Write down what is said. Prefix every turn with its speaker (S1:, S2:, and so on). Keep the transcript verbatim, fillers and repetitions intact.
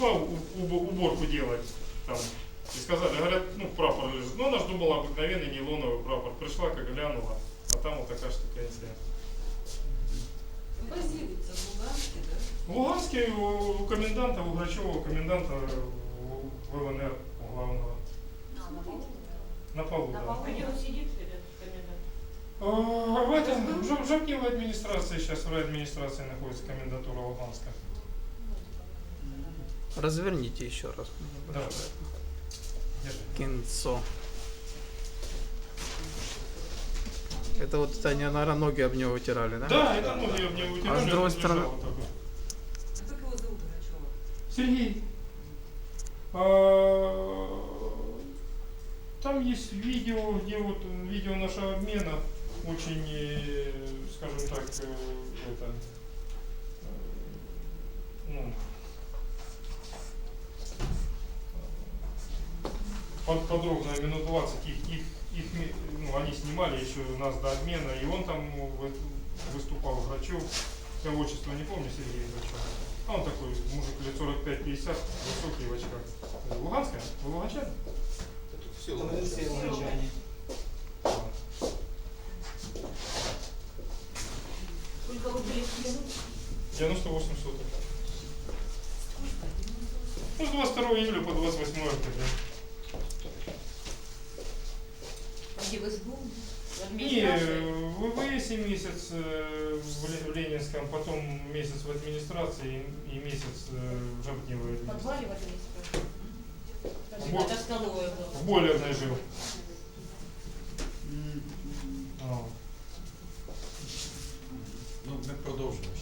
S1: уборку делать там. И сказали, говорят, ну прапор лежит. Ну она же думала обыкновенный нейлоновый прапор. Пришла, как глянула, а там вот такая штукенция.
S2: Базируется в Луганске, да?
S1: В Луганске у коменданта, у Грачева, коменданта ВЛНР главного.
S2: А, на полу?
S1: На полу,
S2: На
S1: да.
S2: полу.
S3: Где он сидит, этот комендант?
S1: А, в этом, в Жабкиевой администрации, сейчас в райадминистрации находится комендатура Луганска.
S4: Разверните еще раз.
S1: Да. Держи.
S4: Кинцо. Это вот они, наверное, ноги об него вытирали, да?
S1: Да, это ноги об него вытирали.
S4: А с другой
S1: он
S4: стороны-
S1: лежал вот так вот.
S2: А как его зовут, Грачева?
S1: Сергей, а, там есть видео, где вот видео нашего обмена очень, э, скажем так, э, это, э, ну, под- подробно, минут двадцать их, их, их, ми- ну, они снимали еще нас до обмена, и он там ну, вы- выступал, Грачев, я отчество не помню, Сергей Грачев. А он такой мужик лет сорок пять пятьдесят, высокий в очках. Луганская? Вы луганчане?
S5: Все, все луганчане.
S3: Сколько вы были в плену?
S1: девяносто восемь соток. Ну, с двадцать второго июля по двадцать восьмое октября.
S2: А где в СБУ?
S3: В
S1: И
S3: администрации?
S1: в ВВС месяц э, в Ле- в Ленинском, потом месяц в администрации и месяц э, в Жабкиевой
S3: В подвале
S1: администрации.
S3: в администрации?
S1: Вот.
S3: Это столовая была.
S1: В бойлерной жил. А.
S5: Ну, ми продовжимо.